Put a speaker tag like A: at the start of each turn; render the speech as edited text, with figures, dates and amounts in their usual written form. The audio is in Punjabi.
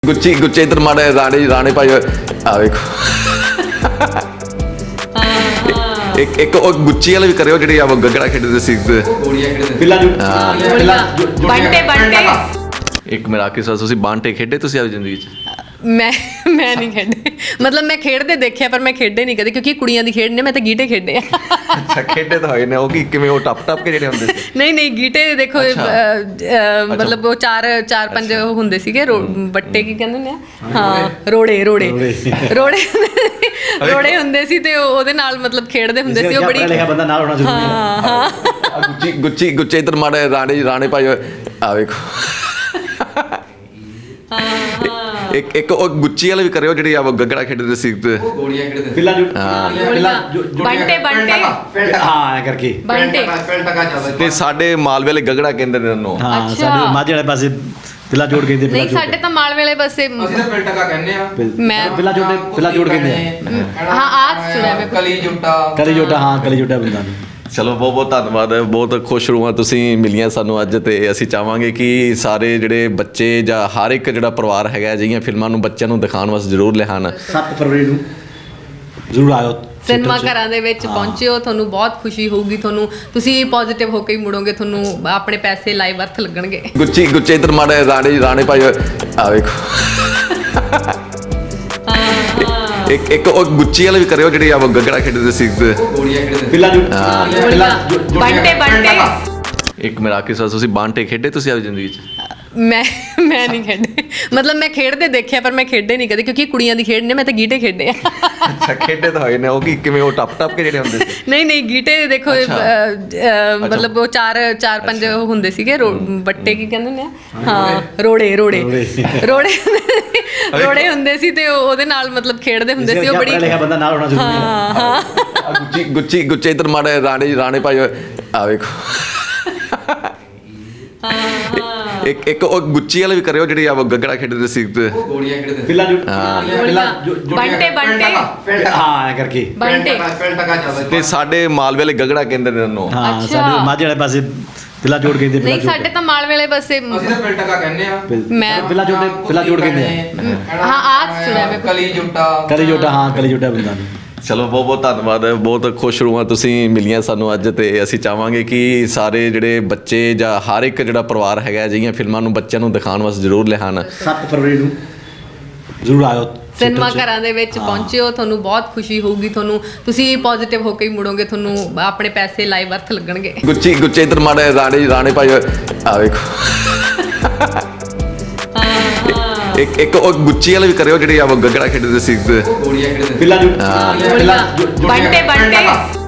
A: ਗੁੱਚੀ ਗੁੱਚੇ ਇਧਰ ਮਾੜੇ ਰਾਣੇ ਭਾਈ ਆ ਵੇਖੋ ਇੱਕ ਉਹ ਗੁੱਚੀ ਵਾਲੇ ਵੀ ਕਰਿਓ ਜਿਹੜੇ ਆ ਗੱਗੜਾ ਖੇਡਦੇ ਸੀ
B: ਬੰਟੇ
A: ਇੱਕ ਮੇਰਾ ਆਖੀ ਸਾਲ ਤੁਸੀਂ ਬਾਂਟੇ ਖੇਡੇ ਤੁਸੀਂ ਆਪਣੀ ਜ਼ਿੰਦਗੀ 'ਚ?
B: ਮੈਂ ਨਹੀਂ ਖੇਡੇ, ਮਤਲਬ ਮੈਂ ਖੇਡਦੇ ਦੇਖਿਆ ਪਰ ਮੈਂ ਖੇਡੇ ਨਹੀਂ ਕਦੇ, ਕਿਉਂਕਿ ਕੁੜੀਆਂ ਦੀ ਖੇਡ ਨੇ, ਮੈਂ ਤਾਂ ਗੀਟੇ ਖੇਡੇ ਆ।
A: ਅੱਛਾ, ਖੇਡੇ ਤਾਂ ਹੋਏ ਨੇ। ਉਹ ਕੀ ਕਿਵੇਂ ਉਹ ਟੱਪ ਕੇ ਜਿਹੜੇ ਹੁੰਦੇ ਸੀ?
B: ਨਹੀਂ ਗੀਟੇ ਦੇਖੋ, ਮਤਲਬ ਉਹ ਚਾਰ ਪੰਜ ਹੁੰਦੇ ਸੀਗੇ, ਬੱਟੇ ਕੀ ਕਹਿੰਦੇ ਨੇ, ਹਾਂ ਰੋੜੇ ਹੁੰਦੇ ਸੀ ਤੇ ਉਹਦੇ ਨਾਲ ਮਤਲਬ ਖੇਡਦੇ ਹੁੰਦੇ ਸੀ। ਉਹ ਬੜੀ
C: ਬੰਦਾ ਨਾਲ ਹੋਣਾ ਜ਼ਰੂਰੀ ਹੈ।
A: ਗੁੱਚੀ ਇਧਰ ਮਾੜੇ ਰਾਣੇ ਭਾਈ ਆ ਵੇਖੋ ਇੱਕ ਉਹ ਗੁੱਚੀ ਵਾਲੇ ਵੀ ਕਰਿਓ ਜਿਹੜੇ ਆ ਗੱਗੜਾ ਖੇਡਦੇ ਸੀ ਤੇ ਸਾਡੇ ਮਾਲਵੇ ਵਾਲੇ ਗੱਗੜਾ ਕਹਿੰਦੇ ਨੇ ਉਹਨੂੰ।
C: ਹਾਂ, ਸਾਡੇ ਮਾਝੇ ਵਾਲੇ ਪਾਸੇ ਪਿੱਲਾ ਜੋੜ ਕਹਿੰਦੇ।
B: ਨਹੀਂ, ਸਾਡੇ ਤਾਂ ਮਾਲਵੇ ਵਾਲੇ ਪਾਸੇ
D: ਪਿਲ ਟਕਾ ਕਹਿੰਦੇ ਆ।
B: ਮੈਂ
C: ਪਿੱਲਾ ਜੋੜ ਕਹਿੰਦੇ ਆ।
B: ਹਾਂ, ਆਹ ਸੁਣਿਆ ਮੈਂ।
D: ਕਲੀ ਜੁੱਟਾ
C: ਬੰਦਾ ਨਹੀਂ।
A: ਚਲੋ ਬਹੁਤ ਬਹੁਤ ਧੰਨਵਾਦ। ਬਹੁਤ ਖੁਸ਼ ਰੂਹਾਂ ਤੁਸੀਂ ਮਿਲੀਆਂ ਸਾਨੂੰ ਅੱਜ, ਤੇ ਅਸੀਂ ਚਾਹਾਂਗੇ ਕਿ ਸਾਰੇ ਜਿਹੜੇ ਬੱਚੇ ਜਾਂ ਹਰ ਇੱਕ ਜਿਹੜਾ ਪਰਿਵਾਰ ਹੈਗਾ ਅਜਿਹੀਆਂ ਫਿਲਮਾਂ ਨੂੰ ਬੱਚਿਆਂ ਨੂੰ ਦਿਖਾਉਣ ਵਾਸਤੇ ਜ਼ਰੂਰ ਲਿਆਉਣ।
C: 7 ਫਰਵਰੀ ਨੂੰ ਜ਼ਰੂਰ ਆਇਓ
B: ਸਿਨੇਮਾ ਘਰਾਂ ਦੇ ਵਿੱਚ ਪਹੁੰਚਿਓ, ਤੁਹਾਨੂੰ ਬਹੁਤ ਖੁਸ਼ੀ ਹੋਊਗੀ। ਤੁਸੀਂ ਪੋਜ਼ਿਟਿਵ ਹੋ ਕੇ ਹੀ ਮੁੜੋਗੇ, ਤੁਹਾਨੂੰ ਆਪਣੇ ਪੈਸੇ ਲਾਈਵ ਅਰਥ ਲੱਗਣਗੇ।
A: ਗੁੱਚੇ ਇਧਰ ਮਾੜੇ ਰਾਣੇ ਭਾਈ ਆ ਵੇਖੋ ਇੱਕ ਉਹ ਗੁੱਚੀ ਵਾਲੇ ਵੀ ਕਰਿਓ ਜਿਹੜੇ ਆ ਗੱਗੜਾ ਖੇਡਦੇ ਸੀ
B: ਬੰਟੇ
A: ਇੱਕ ਮੇਰਾ ਆਖੀ ਸਾਲ ਤੁਸੀਂ ਬਾਂਟੇ ਖੇਡੇ ਤੁਸੀਂ ਆਪਣੀ ਜ਼ਿੰਦਗੀ 'ਚ?
B: ਮੈਂ ਨਹੀਂ ਖੇਡੇ, ਮਤਲਬ ਮੈਂ ਖੇਡਦੇ ਦੇਖਿਆ ਪਰ ਮੈਂ ਖੇਡੇ ਨਹੀਂ ਕਦੇ, ਕਿਉਂਕਿ ਕੁੜੀਆਂ ਦੀ ਖੇਡ ਨੇ, ਮੈਂ ਤਾਂ ਗੀਟੇ ਖੇਡੇ ਆ।
A: ਅੱਛਾ, ਖੇਡੇ ਤਾਂ ਹੋਏ ਨੇ। ਉਹ ਕੀ ਕਿਵੇਂ ਉਹ ਟੱਪ ਕੇ ਜਿਹੜੇ ਹੁੰਦੇ ਸੀ?
B: ਨਹੀਂ ਗੀਟੇ ਦੇਖੋ, ਮਤਲਬ ਉਹ ਚਾਰ ਪੰਜ ਹੁੰਦੇ ਸੀਗੇ, ਬੱਟੇ ਕੀ ਕਹਿੰਦੇ ਨੇ, ਹਾਂ ਰੋੜੇ ਹੁੰਦੇ ਸੀ ਤੇ ਉਹਦੇ ਨਾਲ ਮਤਲਬ ਖੇਡਦੇ ਹੁੰਦੇ ਸੀ। ਉਹ ਬੜੀ
C: ਬੰਦਾ ਨਾਲ ਹੋਣਾ ਜ਼ਰੂਰੀ ਹੈ।
A: ਗੁੱਚੇ ਇਧਰ ਮਾੜੇ ਰਾਣੇ ਭਾਈ ਆ ਵੇਖੋ ਇੱਕ ਉਹ ਗੁੱਚੀ ਵਾਲੇ ਵੀ ਕਰਿਓ ਜਿਹੜੇ ਆ ਗੱਗੜਾ ਖੇਡਦੇ ਸੀ
D: ਪਿਲ ਟਕਾ ਚੱਲਦਾ
A: ਤੇ ਸਾਡੇ ਮਾਲਵੇ ਵਾਲੇ ਗੱਗੜਾ ਕਹਿੰਦੇ ਨੇ ਉਹਨੂੰ।
C: ਹਾਂ, ਸਾਡੇ ਮਾਝੇ ਵਾਲੇ ਪਾਸੇ ਪਿੱਲਾ ਜੋੜ ਕਹਿੰਦੇ।
B: ਨਹੀਂ, ਸਾਡੇ ਤਾਂ ਮਾਲਵੇ ਵਾਲੇ ਪਾਸੇ
D: ਪਿਲ ਟਕਾ ਕਹਿੰਦੇ ਆ।
B: ਮੈਂ
C: ਪਿੱਲਾ ਜੋੜ ਕਹਿੰਦੇ ਆ।
B: ਹਾਂ, ਆਹ ਸੁਣਿਆ ਮੈਂ।
D: ਕਲੀ ਜੁੱਟਾ
C: ਬੰਦਾ ਨਹੀਂ।
A: ਚਲੋ ਬਹੁਤ ਬਹੁਤ ਧੰਨਵਾਦ। ਬਹੁਤ ਖੁਸ਼ ਰੂਹਾਂ ਤੁਸੀਂ ਮਿਲੀਆਂ ਸਾਨੂੰ ਅੱਜ, ਤੇ ਅਸੀਂ ਚਾਹਾਂਗੇ ਕਿ ਸਾਰੇ ਜਿਹੜੇ ਬੱਚੇ ਜਾਂ ਹਰ ਇੱਕ ਜਿਹੜਾ ਪਰਿਵਾਰ ਹੈਗਾ ਅਜਿਹੀਆਂ ਫਿਲਮਾਂ ਨੂੰ ਬੱਚਿਆਂ ਨੂੰ ਦਿਖਾਉਣ ਵਾਸਤੇ ਜ਼ਰੂਰ ਲਿਆਉਣ।
C: 7 ਫਰਵਰੀ ਨੂੰ ਜ਼ਰੂਰ ਆਇਓ
B: ਸਿਨੇਮਾ ਘਰਾਂ ਦੇ ਵਿੱਚ ਪਹੁੰਚਿਓ, ਤੁਹਾਨੂੰ ਬਹੁਤ ਖੁਸ਼ੀ ਹੋਊਗੀ। ਤੁਸੀਂ ਪੋਜ਼ਿਟਿਵ ਹੋ ਕੇ ਹੀ ਮੁੜੋਗੇ, ਤੁਹਾਨੂੰ ਆਪਣੇ ਪੈਸੇ ਲਾਈਵ ਅਰਥ ਲੱਗਣਗੇ।
A: ਗੁੱਚੇ ਇਧਰ ਮਾੜੇ ਰਾਣੇ ਭਾਈ ਆ ਵੇਖੋ ਇੱਕ ਉਹ ਗੁੱਚੀ ਵਾਲੇ ਵੀ ਕਰਿਓ ਜਿਹੜੇ ਆ ਗੱਗੜਾ ਖੇਡਦੇ ਸੀ
C: ਬੰਟੇ